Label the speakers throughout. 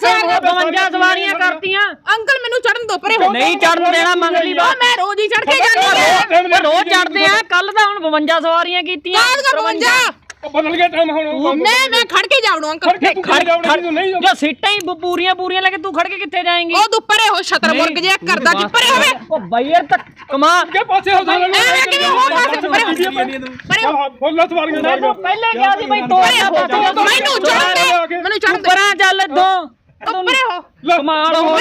Speaker 1: 52 ਸਵਾਰੀਆਂ ਕਰਤੀਆਂ
Speaker 2: ਅੰਕਲ ਮੈਨੂੰ ਚੜਨ ਦੋ ਪਰੇ
Speaker 1: ਨਹੀਂ ਚੜਨ ਦੇਣਾ ਮੰਗਲੀ ਬਾਤ
Speaker 2: ਮੈਂ ਰੋਜ਼ ਹੀ ਚੜ ਕੇ ਜਾਂਦੀ ਆ
Speaker 1: ਰੋਜ਼ ਚੜਦੇ ਆ ਕੱਲ ਤਾਂ ਹੁਣ 52 ਸਵਾਰੀਆਂ ਕੀਤੀਆਂ
Speaker 2: 52
Speaker 3: ਬਦਲ ਗਿਆ ਟਾਈਮ ਹੁਣ
Speaker 2: ਮੈਂ ਖੜ ਕੇ ਜਾਵੜੂ ਅੰਕਲ
Speaker 1: ਜੋ ਸੀਟਾਂ ਹੀ ਪੂਰੀਆਂ ਲੈ ਕੇ ਤੂੰ ਖੜ ਕੇ ਕਿੱਥੇ ਜਾਏਂਗੀ
Speaker 2: ਉਹ ਤੂੰ ਪਰੇ ਹੋ ਛਤਰ ਮੁਰਗ ਜਿਹਾ ਕਰਦਾ ਕਿ ਪਰੇ ਹੋਵੇ
Speaker 1: ਉਹ ਬਾਈ ਯਾਰ ਤੱਕ ਕਮਾ
Speaker 3: ਕੇ ਪਾਸੇ ਹੋ ਜਾਣਾ
Speaker 2: ਐਵੇਂ ਕਿਵੇਂ ਹੋ ਪਾਸੇ ਪਰੇ ਹੋ
Speaker 3: ਫੁੱਲ ਸਵਾਰੀਆਂ ਨਾਲ
Speaker 1: ਪਹਿਲੇ ਕਿਹਾ ਸੀ ਬਈ
Speaker 2: ਮੈਨੂੰ ਚੜਨ ਦੇ ਮੈਨੂੰ ਚੜਨ ਦੇ
Speaker 1: ਪਰਾਂ ਚੱਲ ਦੋ
Speaker 2: ਪਰੇ ਹੋ
Speaker 1: ਕਮਾਲ ਹੋ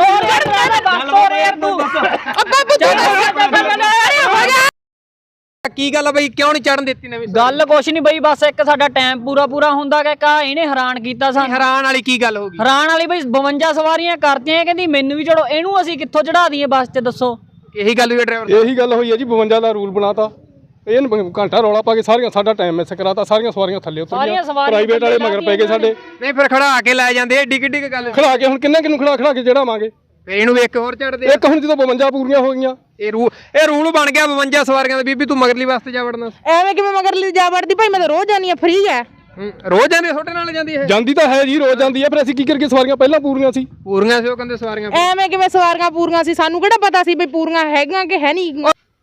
Speaker 1: ਤੂੰ
Speaker 2: ਬਾਬੂ ਪਰੇ ਹੋ ਜਾ
Speaker 4: ਕੀ ਗੱਲ ਆ ਬਈ ਕਿਉਂ ਨਹੀਂ ਚੜਨ ਦਿੱਤੀ ਨਵੀਂ
Speaker 1: ਗੱਲ ਕੁਛ ਨਹੀਂ ਬਈ ਬਸ ਇੱਕ ਸਾਡਾ ਟਾਈਮ ਪੂਰਾ ਹੁੰਦਾ ਕਿ ਕਾ ਇਹਨੇ ਹੈਰਾਨ ਕੀਤਾ ਸਾਨੂੰ
Speaker 4: ਹੈਰਾਨ ਵਾਲੀ ਕੀ ਗੱਲ ਹੋ ਗਈ
Speaker 1: ਹੈਰਾਨ ਵਾਲੀ ਬਈ 52 ਸਵਾਰੀਆਂ ਕਰਤੀਆਂ ਕਹਿੰਦੀ ਮੈਨੂੰ ਵੀ ਚੜੋ ਇਹਨੂੰ ਅਸੀਂ ਕਿੱਥੋਂ ਚੜਾ ਦਈਏ ਬੱਸ 'ਚ ਦੱਸੋ
Speaker 4: ਇਹੀ ਗੱਲ ਹੋਈ ਡਰਾਈਵਰ
Speaker 3: ਇਹੀ ਗੱਲ ਹੋਈ ਹੈ ਜੀ 52 ਦਾ ਰੂਲ ਬਣਾਤਾ ਇਹਨ ਘੰਟਾ ਰੌਲਾ ਪਾ ਕੇ ਸਾਰੀਆਂ ਸਾਡਾ ਟਾਈਮ ਮਿਸ ਕਰਾਤਾ ਸਾਰੀਆਂ ਸਵਾਰੀਆਂ ਥੱਲੇ ਉਤਰੀਆਂ ਪ੍ਰਾਈਵੇਟ ਵਾਲੇ ਮਗਰ ਪੈ ਗਏ ਸਾਡੇ
Speaker 4: ਨਹੀਂ ਫਿਰ ਖੜਾ ਕੇ ਲੈ ਜਾਂਦੇ ਏਡੀ ਕਿੱਡੀ ਗੱਲ
Speaker 3: ਖੜਾ ਕੇ ਹੁਣ ਕਿੰਨੇ ਕਿਨੂੰ ਖੜਾ ਕੇ ਚੜਾਵਾਂਗੇ
Speaker 4: ਫਿਰ ਇਹਨੂੰ ਇੱਕ ਹੋਰ ਚੜਦੇ
Speaker 3: ਇੱਕ ਹੁਣ ਜਦੋਂ 52 ਪੂਰੀਆਂ ਹੋ ਗਈਆਂ
Speaker 4: ਇਹ ਰੂਲ ਬਣ ਗਿਆ 52 ਸਵਾਰੀਆਂ ਦਾ ਬੀਬੀ ਤੂੰ ਮਗਰਲੀ ਵਾਸਤੇ ਜਾ ਵੜਨਾ
Speaker 2: ਐਵੇਂ ਕਿਵੇਂ ਮਗਰਲੀ ਜਾ ਵੜਦੀ ਭਾਈ ਮੈਂ ਤਾਂ ਰੋਜ਼ ਜਾਨੀ ਆ ਫ੍ਰੀ ਹੈ
Speaker 4: ਰੋਜ਼ ਜਾਂਦੇ ਛੋਟੇ ਨਾਲ ਜਾਂਦੀ ਇਹ
Speaker 3: ਜਾਂਦੀ ਤਾਂ ਹੈ ਜੀ ਰੋਜ਼ ਜਾਂਦੀ ਹੈ ਫਿਰ ਅਸੀਂ ਕੀ ਕਰਕੇ ਸਵਾਰੀਆਂ ਪਹਿਲਾਂ ਪੂਰੀਆਂ ਸੀ
Speaker 4: ਪੂਰੀਆਂ ਸੀ ਉਹ ਕਹਿੰਦੇ ਸਵਾਰੀਆਂ
Speaker 2: ਐਵੇਂ ਕਿਵੇਂ ਸਵਾਰੀਆਂ ਪੂਰੀਆਂ ਸੀ ਸਾਨੂੰ ਕਿਹੜਾ ਪਤਾ ਸੀ ਬਈ ਪੂਰੀਆਂ ਹੈਗੀਆਂ ਕਿ ਹੈ ਨਹੀਂ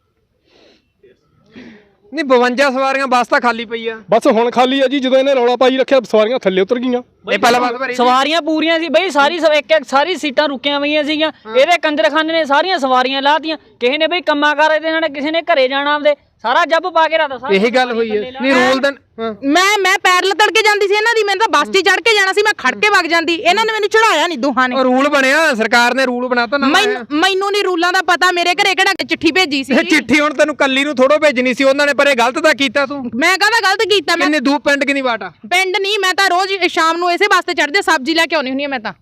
Speaker 4: ਨਹੀਂ 52 ਸਵਾਰੀਆਂ ਬੱਸ ਤਾਂ ਖਾਲੀ ਪਈ ਆ
Speaker 3: ਬਸ ਹੁਣ ਖਾਲੀ ਹੈ ਜੀ ਜਦੋਂ ਇਹਨੇ ਰੌਲਾ ਪਾਈ ਰੱਖਿਆ ਸਵਾਰੀਆਂ ਥੱਲੇ ਉਤਰ ਗਈਆਂ
Speaker 4: ਇਹ ਪਹਿਲਾਂ ਬੱਸ ਭਰੀ
Speaker 1: ਸਵਾਰੀਆਂ ਪੂਰੀਆਂ ਸੀ ਬਈ ਸਾਰੀ ਸੀਟਾਂ ਰੁਕੀਆਂ ਹੋਈਆਂ ਸੀਗੀਆਂ ਇਹਦੇ ਕੰਜਰਖਾਨੇ ਨੇ ਸਾਰੀਆਂ ਸਵਾਰੀਆਂ ਲਾਤੀਆਂ ਕਿਸੇ ਨੇ ਬਈ ਕੰਮਾਂ ਕਰ ਇਹਦੇ ਨਾਲ ਕਿਸੇ ਨੇ ਘਰੇ ਜਾਣਾ ਆਪਦੇ ਸਾਰਾ ਜੱਬ ਪਾ ਕੇ ਰੱਖਦਾ
Speaker 4: ਇਹੀ ਗੱਲ ਹੋਈ ਹੈ ਨਹੀਂ ਰੂਲ ਤਾਂ
Speaker 2: ਮੈਂ ਪੈਰ ਲਤੜ ਕੇ ਜਾਂਦੀ ਸੀ ਇਹਨਾਂ ਦੀ ਮੈਨੂੰ ਤਾਂ ਬੱਸ 'ਚ ਚੜ ਕੇ ਜਾਣਾ ਸੀ ਮੈਂ ਖੜ ਕੇ ਵਗ ਜਾਂਦੀ ਇਹਨਾਂ ਨੇ ਮੈਨੂੰ ਚੜਾਇਆ ਨਹੀਂ ਦੋਹਾਂ ਨੇ
Speaker 4: ਰੂਲ ਬਣਿਆ ਸਰਕਾਰ ਨੇ ਰੂਲ ਬਣਾਤਾ ਨਾ
Speaker 2: ਮੈਨੂੰ ਨਹੀਂ ਰੂਲਾਂ ਦਾ ਪਤਾ ਮੇਰੇ ਘਰੇ ਕਿਹੜਾ ਚਿੱਠੀ ਭੇਜੀ ਸੀ
Speaker 4: ਚਿੱਠੀ ਹੁਣ ਤੈਨੂੰ ਕੱਲੀ ਨੂੰ ਥੋੜੋ ਭੇਜਣੀ ਸੀ ਉਹਨਾਂ ਨੇ ਪਰ ਇਹ ਗਲਤ ਤਾਂ ਕੀਤਾ ਤੂੰ
Speaker 2: ਮੈਂ ਕਾਹਦਾ ਗਲਤ ਕੀਤਾ ਮੈਂ
Speaker 4: ਕਿੰਨੇ ਦੂਰ ਪਿੰਡ ਕਿੰਨੀ ਵਾਟ ਆ
Speaker 2: ਪਿੰਡ ਨਹੀਂ ਮੈਂ ਤਾਂ ਰੋਜ਼ ਸ਼ਾਮ ਨੂੰ ਇਸੇ ਵਾਸਤੇ ਚੜਦੇ ਸਬਜ਼ੀ ਲੈ ਕੇ ਆਉਣੀ ਹੁੰਦੀ ਆ ਮੈਂ ਤਾਂ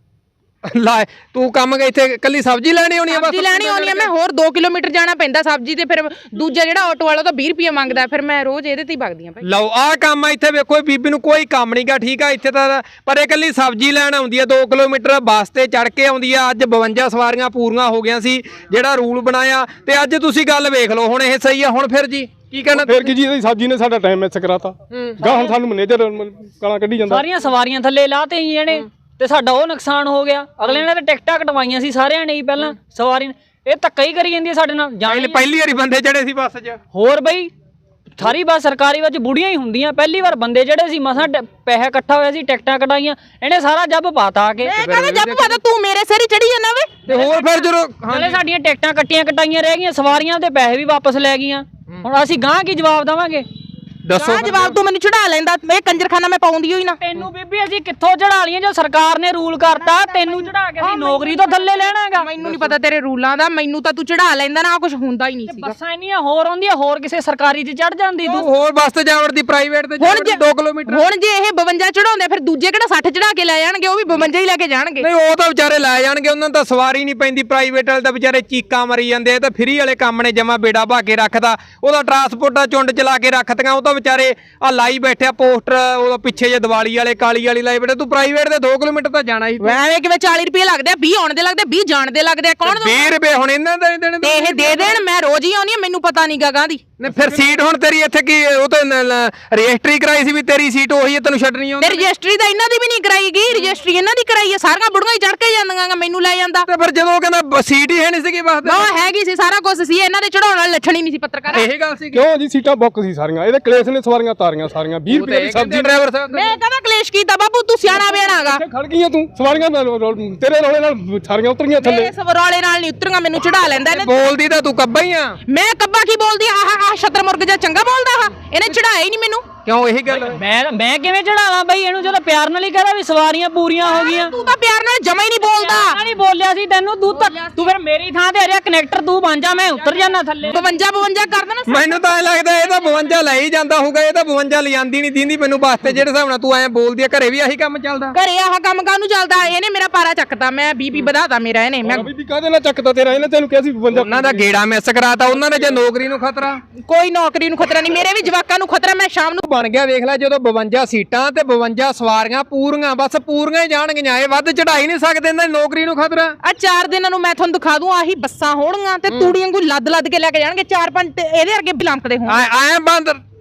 Speaker 4: ਲੈ ਤੂੰ ਕੰਮ ਇੱਥੇ ਕੱਲੀ ਸਬਜ਼ੀ ਲੈਣੀ ਹੋਣੀ ਆ ਬਸ
Speaker 2: ਸਬਜ਼ੀ ਲੈਣੀ ਹੋਣੀ ਆ ਮੈਂ ਹੋਰ 2 ਕਿਲੋਮੀਟਰ ਜਾਣਾ ਪੈਂਦਾ ਸਬਜ਼ੀ ਤੇ ਫਿਰ ਦੂਜਾ ਜਿਹੜਾ ਆਟੋ ਵਾਲਾ ਤਾਂ 20 ਰੁਪਏ ਮੰਗਦਾ ਫਿਰ ਮੈਂ ਰੋਜ਼ ਇਹਦੇ ਤੇ ਹੀ ਵਗਦੀ ਆ ਭਾਈ
Speaker 4: ਲਓ ਆਹ ਕੰਮ ਆ ਇੱਥੇ ਵੇਖੋ ਬੀਬੀ ਨੂੰ ਕੋਈ ਕੰਮ ਨਹੀਂਗਾ ਠੀਕ ਆ ਇੱਥੇ ਤਾਂ ਪਰ ਇਹ ਕੱਲੀ ਸਬਜ਼ੀ ਲੈਣ ਆਉਂਦੀ ਆ 2 ਕਿਲੋਮੀਟਰ ਬੱਸ ਤੇ ਚੜ ਕੇ ਆਉਂਦੀ ਆ ਅੱਜ 52 ਸਵਾਰੀਆਂ ਪੂਰੀਆਂ ਹੋ ਗਈਆਂ ਸੀ ਜਿਹੜਾ ਰੂਲ ਬਣਾਇਆ ਤੇ ਅੱਜ ਤੁਸੀਂ ਗੱਲ ਵੇਖ ਲਓ ਹੁਣ ਇਹ ਸਹੀ ਆ ਹੁਣ ਫਿਰ ਜੀ ਕੀ ਕਹਿਣਾ
Speaker 3: ਫਿਰ ਕੀ ਜੀ ਇਹਦੀ ਸਬਜ਼ੀ ਨੇ ਸਾਡਾ ਟਾਈਮ ਮਿਸ ਕਰਾਤਾ ਗਾਹ ਹੁਣ ਸਾਨੂੰ ਮੈਨੇਜਰ ਗਾਲਾਂ ਕੱਢੀ ਜਾਂਦਾ
Speaker 1: ਸਾਰੀਆਂ ਸਵਾਰੀਆਂ ਥੱਲੇ ਲਾਤੇ ਹੀ ਇਹਨੇ ਤੇ ਸਾਡਾ ਉਹ ਨੁਕਸਾਨ ਹੋ ਗਿਆ ਅਗਲੇ ਨੇ ਤਾਂ ਟਿਕਟਾਂ ਕਟਵਾਈਆਂ ਸੀ ਸਾਰਿਆਂ ਨੇ ਹੀ ਪਹਿਲਾਂ ਸਵਾਰੀ ਇਹ ਧੱਕਾ ਹੀ ਕਰੀ ਜਾਂਦੀ ਹੈ ਸਾਡੇ ਨਾਲ
Speaker 4: ਪਹਿਲੀ ਵਾਰੀ ਬੰਦੇ ਚੜੇ ਸੀ ਬੱਸ 'ਚ
Speaker 1: ਹੋਰ ਬਈ ਸਾਰੀ ਬੱਸ ਸਰਕਾਰੀ ਵਿੱਚ ਬੁੜੀਆਂ ਹੀ ਹੁੰਦੀਆਂ ਪਹਿਲੀ ਵਾਰ ਬੰਦੇ ਜਿਹੜੇ ਸੀ ਮਸਾਂ ਪੈਸਾ ਇਕੱਠਾ ਹੋਇਆ ਸੀ ਟਿਕਟਾਂ ਕਟਾਈਆਂ ਇਹਨੇ ਸਾਰਾ ਜੱਬ ਪਾਤਾ ਆ ਕੇ
Speaker 2: ਮੈਂ ਕਹਿੰਦਾ ਜੱਬ ਪਾਤਾ ਤੂੰ ਮੇਰੇ ਸਿਰ ਹੀ ਚੜੀ ਜਾਂਦਾ ਵੇ
Speaker 4: ਤੇ ਹੋਰ ਫਿਰ ਜਦੋਂ
Speaker 1: ਨਾਲੇ ਸਾਡੀਆਂ ਟਿਕਟਾਂ ਕਟਾਈਆਂ ਰਹਿ ਗਈਆਂ ਸਵਾਰੀਆਂ ਦੇ ਪੈਸੇ ਵੀ ਵਾਪਸ ਲੈ ਗਈਆਂ ਹੁਣ ਅਸੀਂ ਗਾਂ ਕੀ ਜਵਾਬ ਦੇਵਾਂਗੇ
Speaker 4: ਦੱਸੋ
Speaker 2: ਜਵਾਬ ਤੂੰ ਮੈਨੂੰ ਚੜਾ ਲੈਂਦਾ ਇਹ ਕੰਜਰਖਾਨਾ ਮੈਂ ਪਾਉਂਦੀ ਹੋਈ ਨਾ
Speaker 1: ਤੈਨੂੰ ਬੀਬੀ ਅਸੀਂ ਕਿੱਥੋਂ ਚੜਾ ਲਈਆਂ ਜੋ ਸਰਕਾਰ ਨੇ ਰੂਲ ਕਰਤਾ ਤੈਨੂੰ ਚੜਾ ਕੇ ਅਸੀਂ ਨੌਕਰੀ ਤੋਂ ਥੱਲੇ ਲੈਣਾਗਾ
Speaker 2: ਮੈਨੂੰ ਨਹੀਂ ਪਤਾ ਤੇਰੇ ਰੂਲਾਂ ਦਾ ਮੈਨੂੰ ਤਾਂ ਤੂੰ ਚੜਾ ਲੈਂਦਾ ਨਾ ਕੁਝ ਹੁੰਦਾ ਹੀ ਨਹੀਂ ਸੀਗਾ
Speaker 1: ਬੱਸਾਂ ਇੰਨੀਆਂ ਹੋਰ ਆਉਂਦੀਆਂ ਹੋਰ ਕਿਸੇ ਸਰਕਾਰੀ 'ਚ ਚੜ ਜਾਂਦੀ ਤੂੰ
Speaker 4: ਹੋਰ ਬੱਸ ਤੇ ਜਾਵੜਦੀ ਪ੍ਰਾਈਵੇਟ ਤੇ ਜਾਵੜਦੀ 2 ਕਿਲੋਮੀਟਰ
Speaker 2: ਹੁਣ ਜੇ ਇਹ 52 ਚੜਾਉਂਦੇ ਫਿਰ ਦੂਜੇ ਕਿਹੜਾ 60 ਚੜਾ ਕੇ ਲੈ ਜਾਣਗੇ ਉਹ ਵੀ 52 ਹੀ ਲੈ ਕੇ ਜਾਣਗੇ
Speaker 4: ਨਹੀਂ ਉਹ ਤਾਂ ਵਿਚਾਰੇ ਲੈ ਜਾਣਗੇ ਉਹਨਾਂ ਨੂੰ ਤਾਂ ਸਵਾਰੀ ਨਹੀਂ ਪੈਂਦੀ ਪ੍ਰਾਈਵੇਟ ਵਾਲੇ ਤਾਂ ਵਿਚਾਰੇ ਚੀਕਾਂ ਮਰੀ ਜਾਂਦੇ ਆ ਤਾਂ ਫਰੀ ਵਾਲੇ ਕੰਮ ਨੇ ਜਮਾ ਬੇੜਾ ਭਾ ਕੇ ਰੱਖਦਾ ਉਹਦਾ ਟਰਾਂਸਪੋਰਟਾਂ ਚੁੰਡ ਚਲਾ ਕੇ ਰੱਖਤੀਆਂ ਉਹ ਤਾਂ ਵਿਚਾਰੇ ਆ ਲਾਈ ਬੈਠਿਆ ਪੋਸਟਰ ਉਹ ਪਿੱਛੇ ਜੇ ਦੀਵਾਲੀ ਵਾਲੇ ਕਾਲੀ ਵਾਲੀ ਲਾਈ ਬੈਠੇ ਤੂੰ ਪ੍ਰਾਈਵੇਟ ਦੇ 2 ਕਿਲੋਮੀਟਰ ਤਾਂ ਜਾਣਾ ਹੀ
Speaker 2: ਐਵੇਂ ਕਿਵੇਂ 40 ਰੁਪਏ ਲੱਗਦੇ ਆ 20 ਆਉਣ ਦੇ ਲੱਗਦੇ 20 ਜਾਣ ਦੇ ਲੱਗਦੇ ਕੌਣ
Speaker 4: 20 ਰੁਪਏ ਹੁਣ ਇਹਨਾਂ ਦੇ ਦੇਣ
Speaker 2: ਤੇ ਇਹ ਦੇ ਦੇਣ ਮੈਂ ਰੋਜ਼ ਹੀ ਆਉਣੀ ਆ ਮੈਨੂੰ ਪਤਾ ਨਹੀਂ ਗਾਂ ਦੀ
Speaker 4: ਨਹੀਂ ਫਿਰ ਸੀਟ ਹੁਣ ਤੇਰੀ ਇੱਥੇ ਕੀ ਉਹ ਤਾਂ ਰਜਿਸਟਰੀ ਕਰਾਈ ਸੀ ਵੀ ਤੇਰੀ ਸੀਟ ਉਹੀ ਹੈ ਤੈਨੂੰ ਛੱਡਣੀ ਆਉਂਦੀ
Speaker 2: ਤੇ ਰਜਿਸਟਰੀ ਤਾਂ ਇਹਨਾਂ ਦੀ ਵੀ ਨਹੀਂ ਕਰਾਈ ਗਈ ਰਜਿਸਟਰੀ ਇਹਨਾਂ ਦੀ ਕਰਾਈ ਆ ਸਾਰੀਆਂ ਬੁੜੀਆਂ ਹੀ ਚੜ ਕੇ ਜਾਂਦੀਆਂ ਮੈਨੂੰ ਲੈ ਜਾਂਦਾ
Speaker 4: ਤੇ ਫਿਰ ਜਦੋਂ ਉਹ ਕਹਿੰਦਾ ਸੀਟ ਹੀ ਹੈ ਨਹੀਂ ਸੀਗੀ ਬੱਸ
Speaker 2: ਉਹ ਹੈਗੀ ਸੀ ਸਾਰਾ ਕੁਝ ਸੀ ਇਹਨਾਂ ਦੇ ਚੜਾਉਣ ਵਾਲੇ ਲੱਛਣ ਹੀ ਨਹੀਂ ਸੀ ਪੱਤਰਕਾਰ
Speaker 4: ਇਹ ਗੱਲ ਸੀ
Speaker 3: ਕਿਉਂ ਜੀ ਸੀਟਾਂ ਬੁੱਕ ਸੀ ਸਾਰੀਆਂ ਇਹਦੇ ਕਲੇਸ਼ ਨੇ ਸਵਾਰੀਆਂ ਤਾਰੀਆਂ ਸਾਰੀਆਂ 20 ਰੁਪਏ ਦੀ ਸਬਜ਼ੀ
Speaker 4: ਡਰਾਈਵਰ ਸਾਹਿਬ
Speaker 2: ਮੈਂ ਕਹਿੰਦਾ ਕਲੇਸ਼ ਕੀਤਾ ਬਾਬੂ ਤੂੰ ਸਿਆਣਾ ਬਿਆਣਾਗਾ
Speaker 3: ਖੜ ਗਈਆਂ ਤੂੰ ਸਵਾਰੀਆਂ ਤੇਰੇ ਰੌਲੇ ਨਾਲ ਸਾਰੀਆਂ ਉਤਰੀਆਂ ਥੱਲੇ
Speaker 2: ਇਸ ਰੌਲੇ ਨਾਲ ਨਹੀਂ ਉਤਰੀਆਂ ਮੈਨੂੰ ਚੜਾ ਲੈਂਦਾ ਇਹਨੇ
Speaker 4: ਬੋਲਦੀ ਤਾਂ ਤੂੰ ਕੱਬਾ ਹੀ ਆ
Speaker 2: ਮੈਂ ਕੱਬਾ ਕੀ ਬੋਲਦੀ ਆਹ ਛਤਰ ਮੁਰਗ ਜਿਹਾ ਚੰਗਾ ਬੋਲਦਾ ਆ ਇਹਨੇ ਚੜਾਇਆ ਹੀ ਨਹੀਂ ਮੈਨੂੰ
Speaker 4: ਕਿਉਂ ਇਹੀ ਗੱਲ
Speaker 1: ਮੈਂ ਕਿਵੇਂ ਚੜਾਵਾਂ ਬਈ ਇਹਨੂੰ ਜਦੋਂ ਪਿਆਰ ਨਾਲ ਹੀ ਕਹਦਾ ਵੀ ਸਵਾਰੀਆਂ ਪੂਰੀਆਂ ਹੋ ਗਈਆਂ
Speaker 2: ਤੂੰ ਤਾਂ ਪਿਆਰ ਨਾਲ ਜਮਾ ਹੀ ਨਹੀਂ ਬੋਲਦਾ
Speaker 1: ਨਹੀਂ ਬੋਲਿਆ ਸੀ ਤੈਨੂੰ ਤੂੰ ਫਿਰ ਮੇਰੀ ਥਾਂ ਤੇ ਆ ਰਿਹਾ ਕਨੈਕਟਰ ਤੂੰ ਬਣ ਜਾ ਮੈਂ ਉਤਰ ਜਾਣਾ ਥੱਲੇ
Speaker 2: 52 ਕਰ ਦੇਣਾ
Speaker 4: ਮੈਨੂੰ ਤਾਂ ਐ ਲੱਗਦਾ ਇਹ ਤਾਂ 52 ਲੈ ਹੀ ਜਾਂਦਾ ਹੋਊਗਾ ਇਹ ਤਾਂ 52 ਲਿਆਂਦੀ ਨਹੀਂ ਦਿੰਦੀ ਮੈਨੂੰ ਬੱਸ ਤੇ ਜਿਹੜੇ ਹਿਸਾਬ ਨਾਲ ਤੂੰ ਐ ਬੋਲਦੀ ਆ ਘਰੇ ਵੀ ਆਹੀ ਕੰਮ ਚੱਲਦਾ
Speaker 2: ਘਰੇ ਆਹ ਕੰਮ ਕਾਹਨੂੰ ਚੱਲਦਾ ਇਹਨੇ ਮੇਰਾ ਪਾਰਾ ਚੱਕਦਾ ਮੈਂ ਬੀਪੀ ਵਧਾਤਾ ਮੇਰਾ ਇਹਨੇ ਮੈਂ
Speaker 3: ਬੀਬੀ ਕਾਹਦੇ ਨਾਲ ਚੱਕਦਾ ਤੇਰਾ ਇਹਨੇ ਤੈਨੂੰ ਕਿਹਾ ਸੀ 52
Speaker 4: ਉਹਨਾਂ ਦਾ ਗੇੜਾ ਮਿਸ ਕਰਾਤਾ ਉਹਨਾਂ ਨੇ ਜੇ ਨੌਕਰੀ ਨੂੰ ਖਤਰਾ
Speaker 2: ਕੋਈ ਨੌਕਰੀ ਨੂੰ ਖਤਰਾ ਨਹੀਂ ਮੇਰੇ ਵੀ ਜਵਾਕਾਂ ਨੂੰ ਖਤਰਾ ਮੈਂ ਸ਼ਾਮ ਨੂੰ
Speaker 4: ਬਣ ਗਿਆ ਵੇਖ ਲੈ ਜਦੋਂ 52 ਸੀਟਾਂ ਤੇ 52 ਸਵਾਰੀਆਂ ਪੂਰੀਆਂ ਬਸ ਪੂਰੀਆਂ ਹੀ ਜਾਣਗੀਆਂ ਇਹ ਵੱਧ ਚੜਾਈ ਨਹੀਂ ਸਕਦੇ ਇਹਨਾਂ ਦੀ ਨੌਕਰੀ ਨੂੰ ਖਤਰਾ
Speaker 2: ਆ 4 ਦਿਨਾਂ ਨੂੰ ਮੈਂ ਤੁਹਾਨੂੰ ਦਿਖਾ ਦੂੰ ਆਹੀ ਬੱਸਾਂ ਹੋਣਗੀਆਂ ਤੇ ਤੂੜੀਆਂ ਕੋਈ ਲੱਦ ਕੇ ਲੈ ਕੇ ਜਾਣਗੇ 4-5 ਇਹਦੇ ਵਰਗੇ ਵੀ ਲੰਕਦੇ ਹੋਣ
Speaker 4: ਐ ਬੰਦ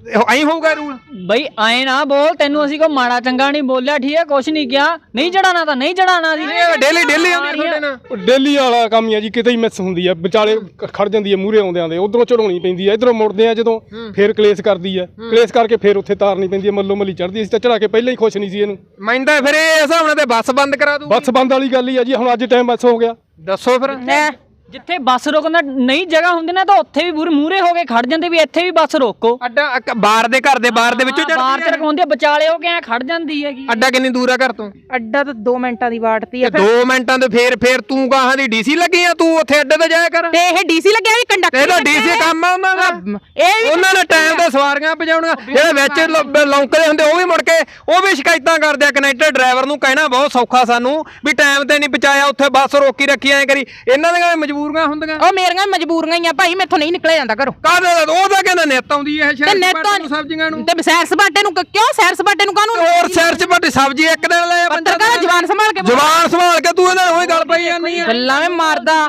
Speaker 4: ਐਂ ਹੋਊਗਾ ਰੂਲ?
Speaker 1: ਬਈ ਐ ਨਾ ਬੋਲ, ਤੈਨੂੰ ਅਸੀਂ ਕੋਈ ਮਾੜਾ ਚੰਗਾ ਨਹੀਂ ਬੋਲਿਆ, ਠੀਕ ਹੈ, ਕੁਛ ਨਹੀਂ ਕਿਹਾ। ਨਹੀਂ ਚੜਾਣਾ ਤਾਂ ਨਹੀਂ ਚੜਾਣਾ ਜੀ।
Speaker 4: ਡੇਲੀ ਡੇਲੀ ਆਉਂਦੀ ਤੁਹਾਡੇ ਨਾਲ?
Speaker 3: ਡੇਲੀ ਵਾਲਾ ਕੰਮ ਹੀ ਆ ਜੀ, ਕਿਤੇ ਹੀ ਮਿਸ ਹੁੰਦੀ ਆ, ਵਿਚਾਲੇ ਖੜ ਜਾਂਦੀ ਆ, ਮੂਹਰੇ ਆਉਂਦਿਆਂ ਦੇ ਉਧਰੋਂ ਚੜਾਉਣੀ ਪੈਂਦੀ ਆ, ਇਧਰੋਂ ਮੁੜਦੇ ਆ ਜਦੋਂ ਫੇਰ ਕਲੇਸ਼ ਕਰਦੀ ਆ, ਕਲੇਸ਼ ਕਰਕੇ ਫੇਰ ਉੱਥੇ ਤਾਰਨੀ ਪੈਂਦੀ ਆ, ਮੱਲੋ ਮੱਲੀ ਚੜਦੀ। ਅਸੀਂ ਤਾਂ ਚੜਾ ਕੇ ਪਹਿਲਾਂ ਹੀ ਖੁਸ਼ ਨਹੀਂ ਸੀ ਇਹਨੂੰ।
Speaker 4: ਮੈਂ ਤਾਂ ਫਿਰ ਇਹ ਹਿਸਾਬ ਨਾਲ ਤੇ ਬੱਸ ਬੰਦ ਕਰਾ ਦੂ।
Speaker 3: ਬੱਸ ਬੰਦ ਵਾਲੀ ਗੱਲ ਹੀ ਆ ਜੀ, ਹੁਣ ਅੱਜ ਟਾਈਮ ਬੱਸ ਹੋ ਗਿਆ।
Speaker 4: ਦੱਸੋ ਫਿਰ।
Speaker 1: ਜਿੱਥੇ ਬੱਸ ਰੋਕਣ ਦਾ ਨਹੀਂ ਜਗ੍ਹਾ ਹੁੰਦੀ ਨਾ, ਤਾਂ ਉੱਥੇ ਵੀ ਮੂਹਰੇ ਹੋ ਕੇ ਖੜ ਜਾਂਦੇ ਵੀ ਇੱਥੇ ਵੀ ਬੱਸ ਰੋਕੋ।
Speaker 4: ਅੱਡਾ ਬਾਰ ਦੇ ਘਰ ਦੇ ਬਾਹਰ ਦੇ ਵਿੱਚੋਂ
Speaker 1: ਬਾਹਰ ਤੇ ਰਖਾਉਂਦੀ ਆ, ਵਿਚਾਲੇ ਹੋ ਕੇ ਐ ਖੜ ਜਾਂਦੀ ਹੈਗੀ।
Speaker 4: ਅੱਡਾ ਕਿੰਨੀ ਦੂਰ ਆ ਘਰ ਤੋਂ?
Speaker 2: ਅੱਡਾ ਤਾਂ 2 ਮਿੰਟਾਂ ਦੀ ਵਾਟਤੀ ਆ।
Speaker 4: 2 ਮਿੰਟਾਂ ਤੇ ਫੇਰ ਤੂੰ ਗਾਹਾਂ ਦੀ ਡੀਸੀ ਲੱਗੀ ਆ, ਤੂੰ ਉੱਥੇ ਅੱਡੇ ਤੇ ਜਾਇਆ ਕਰ।
Speaker 2: ਤੇ ਇਹ ਡੀਸੀ ਲੱਗਿਆ ਵੀ ਕੰਡਕਟਰ?
Speaker 4: ਇਹਦਾ ਡੀਸੀ ਕੰਮ ਆ ਉਹਨਾਂ ਦਾ। ਉਹਨਾਂ ਨੇ ਟਾਈਮ ਤੇ ਸਵਾਰੀਆਂ ਪਹੁੰਚਾਉਣੀਆਂ, ਜਿਹੜੇ ਵਿੱਚ ਲੌਂਕਦੇ ਹੁੰਦੇ ਉਹ ਵੀ ਮੁੜ ਕੇ ਉਹ ਵੀ ਸ਼ਿਕਾਇਤਾਂ ਕਰਦੇ ਆ। ਕਨੈਕਟਰ ਡਰਾਈਵਰ ਨੂੰ ਕਹਿਣਾ ਬਹੁਤ ਸੌਖਾ ਸਾਨੂੰ ਵੀ ਟਾਈਮ ਤੇ ਨਹੀਂ ਪਹੁੰਚਾਇਆ, ਉੱਥੇ ਬੱਸ ਰੋਕੀ ਰੱਖੀ ਐ ਕਰੀ। ਇਹਨਾਂ ਦੀਆਂ ਮਜਬੂਰੀਆਂ ਹੁੰਦੀਆਂ।
Speaker 2: ਮੇਰੀਆਂ ਮਜਬੂਰੀਆਂ ਹੀ ਆ ਭਾਈ, ਮੈਥੋਂ ਨਹੀਂ ਨਿਕਲਿਆ ਜਾਂਦਾ ਘਰੋਂ।
Speaker 4: ਕਾਹਦੇ ਉਹ ਤਾਂ ਕਹਿੰਦਾ ਨਿੱਤ ਆਉਂਦੀ ਐ ਸ਼ਹਿਰ ਸਬਜ਼ੀਆਂ ਨੂੰ।
Speaker 2: ਤੇ ਸੈਰ ਸਪਾਟੇ ਨੂੰ ਕਿਉਂ? ਸੈਰ ਸਪਾਟੇ ਨੂੰ ਕਾਹਨੂੰ?
Speaker 4: ਹੋਰ ਸੈਰ ਸਪਾਟੇ ਸਬਜ਼ੀ ਇੱਕ ਦਿਨ ਲੈ
Speaker 2: ਪੱਤਰਕਾਰ ਜਵਾਨ ਸੰਭਾਲ ਕੇ
Speaker 4: ਤੂੰ ਇਹਨਾਂ ਨੂੰ ਉਹੀ ਗੱਲ ਪਈ ਜਾਂਦੀ ਆ।
Speaker 2: ਗੱਲਾਂ ਵਿੱਚ ਮਾਰਦਾ।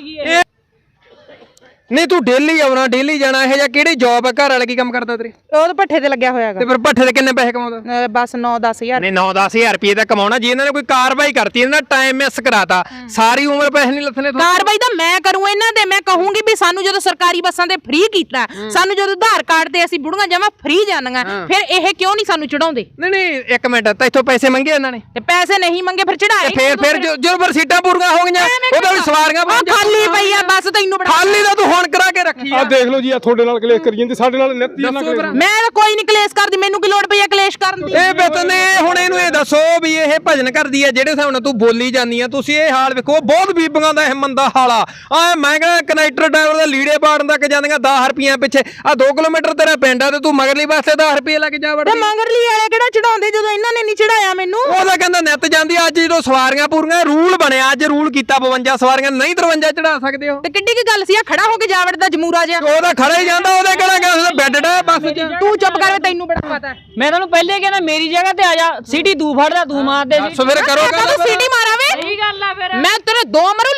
Speaker 4: ਨਹੀਂ ਤੂੰ ਡੇਲੀ ਆਉਣਾ ਡੇਲੀ ਜਾਣਾ, ਇਹ ਜਾਂ ਕਿਹੜੀ ਜੌਬ ਹੈ? ਘਰ ਵਾਲਾ ਕੀ ਕੰਮ ਕਰਦਾ ਤੇਰੇ?
Speaker 2: ਉਹ ਤਾਂ ਭੱਠੇ ਤੇ ਲੱਗਿਆ ਹੋਇਆ
Speaker 4: ਤੇ ਫਿਰ ਭੱਠੇ ਤੇ ਕਿੰਨੇ ਪੈਸੇ ਕਮਾਉਂਦਾ?
Speaker 2: ਬਸ 9-10 ਹਜ਼ਾਰ।
Speaker 4: ਨਹੀਂ 9-10 ਹਜ਼ਾਰ ਰੁਪਏ ਤਾਂ ਕਮਾਉਣਾ। ਜੇ ਇਹਨਾਂ ਨੇ ਕੋਈ ਕਾਰਵਾਈ ਕਰਤੀ, ਇਹਨਾਂ ਦਾ ਟਾਈਮ ਮਿਸ ਕਰਾਤਾ, ਸਾਰੀ ਉਮਰ ਪੈਸੇ ਨਹੀਂ ਲੱਥਣੇ।
Speaker 2: ਕਾਰਵਾਈ ਤਾਂ ਮੈਂ ਕਰੂੰ ਇਹਨਾਂ ਦੇ। ਮੈਂ ਕਹੂੰਗੀ ਵੀ ਸਾਨੂੰ ਜਦੋਂ ਸਰਕਾਰੀ ਬੱਸਾਂ ਤੇ ਫ੍ਰੀ ਕੀਤਾ, ਸਾਨੂੰ ਜਦੋਂ ਆਧਾਰ ਕਾਰਡ ਤੇ ਅਸੀਂ ਬੁੜੀਆਂ ਜਮਾ ਫ੍ਰੀ ਜਾਂਦੀਆਂ, ਫਿਰ ਇਹ ਕਿਉਂ ਨਹੀਂ ਸਾਨੂੰ ਚੜਾਉਂਦੇ?
Speaker 4: ਨਹੀਂ ਇੱਕ ਮਿੰਟ, ਤਾਂ ਇੱਥੋਂ ਪੈਸੇ ਮੰਗੇ ਇਹਨਾਂ ਨੇ?
Speaker 2: ਤੇ ਪੈਸੇ ਨਹੀਂ ਮੰਗੇ ਫਿਰ ਚੜਾਏ।
Speaker 4: ਫਿਰ ਜਦੋਂ ਫਿਰ ਸੀਟਾਂ ਪੂਰੀਆਂ ਹੋ ਗਈਆਂ ਉਹਦਾ ਵੀ ਸਵਾਰੀਆਂ
Speaker 2: ਖਾਲੀ ਪਈ ਆ ਬੱਸ, ਤੈਨੂੰ
Speaker 4: ਖਾਲੀ ਤਾਂ ਤੂੰ ਹੁਣ ਕਰਾ ਕੇ ਰੱਖੀ
Speaker 3: ਆ ਦੇਖ ਲਓ ਜੀ, ਆ ਤੁਹਾਡੇ ਨਾਲ ਕਲੇਸ਼ ਕਰੀ ਜਾਂਦੇ, ਸਾਡੇ ਨਾਲ ਨਿੱਤ ਹੀ ਇਹਨਾਂ ਕਲੇਸ਼।
Speaker 2: ਮੈਂ ਤਾਂ ਕੋਈ ਨਹੀਂ ਕਲੇਸ਼ ਕਰਦੀ, ਮੈਨੂੰ ਕੀ ਲੋੜ ਪਈ ਆ ਕਲੇਸ਼ ਕਰਨ ਦੀ?
Speaker 4: ਇਹ ਬਤਨੇ ਹੁਣ ਇਹਨੂੰ ਇਹ ਦੱਸੋ ਵੀ ਇਹ ਭਜਨ ਕਰਦੀ ਹੈ ਜਿਹੜੇ ਹਿਸਾਬ ਨਾਲ ਤੂੰ ਬੋਲੀ ਜਾਂਦੀ ਆ। ਤੁਸੀਂ ਇਹ ਹਾਲ ਵੇਖੋ, ਬਹੁਤ ਬੀਬੀਆਂ ਦਾ ਇਹ ਮੰਦਾ ਹਾਲ ਆ। ਮੈਂ ਕਹਿੰਦਾ ਕਨੈਕਟਰ ਡਰਾਈਵਰ ਦਾ ਲੀੜੇ ਪਾੜਨ ਤੱਕ ਜਾਂਦੀਆਂ 10 ਰੁਪਈਆ ਪਿੱਛੇ। ਆ 2 ਕਿਲੋਮੀਟਰ ਤੇਰਾ ਪਿੰਡ ਆ ਤੇ ਤੂੰ ਮਗਰਲੀ ਵਾਸਤੇ 10 ਰੁਪਏ ਲੈ ਕੇ ਜਾ ਵੜਦੀ।
Speaker 2: ਤੇ ਮਗਰਲੀ ਵਾਲੇ ਕਿਹੜਾ ਚੜਾਉਂਦੇ ਜਦੋਂ ਇਹਨਾਂ ਨੇ ਨਹੀਂ ਚੜਾਇਆ ਮੈਨੂੰ?
Speaker 4: ਉਹਦਾ ਕਹਿੰਦਾ ਨਿੱਤ ਜਾਂਦੀ। ਅੱਜ ਜਦੋਂ ਸਵਾਰੀਆਂ ਪੂਰੀਆਂ ਰੂਲ ਬਣਿਆ, ਅੱਜ ਰੂਲ ਕੀਤਾ 52 ਸਵਾਰੀਆਂ ਨਹੀਂ 53 ਚੜਾ ਸਕਦੇ ਹੋ।
Speaker 2: ਤੇ ਕਿੱਡੀ ਕੀ ਗੱਲ ਸੀ? ਆ ਖੜਾ ਹੋ ਕੇ ਜਾ ਵੜਦਾ ਜਮੂਰਾ ਜਿਹਾ।
Speaker 4: ਉਹਦਾ ਖੜਾ ਹੀ ਜਾਂਦਾ, ਉਹਦੇ ਕਿਹੜਾ ਗਿਆ ਉਹਦਾ ਬੈੱਡ ਡਾ ਬੱਸ 'ਚ।
Speaker 2: ਤੂੰ ਚੁੱਪ ਕਰ, ਤੈਨੂੰ ਬੜਾ ਪਤਾ।
Speaker 1: ਮੈਂ ਤੁਹਾਨੂੰ ਪਹਿਲੇ ਕਹਿੰਦਾ ਮੇਰੀ ਜਗ੍ਹਾ ਤੇ ਆ ਜਾ, ਸੀਟੀ ਤੂੰ ਫੜਦਾ, ਤੂੰ ਮਾਰਦੇ ਸੀ।
Speaker 4: ਸੋ ਫਿਰ ਕਰੋ
Speaker 2: ਤੂੰ ਸੀਟੀ ਮਾਰਾਵੇ।
Speaker 1: ਸਹੀ ਗੱਲ ਆ ਫਿਰ।
Speaker 2: ਮੈਂ ਤੇਰੇ 2 ਮਰੂ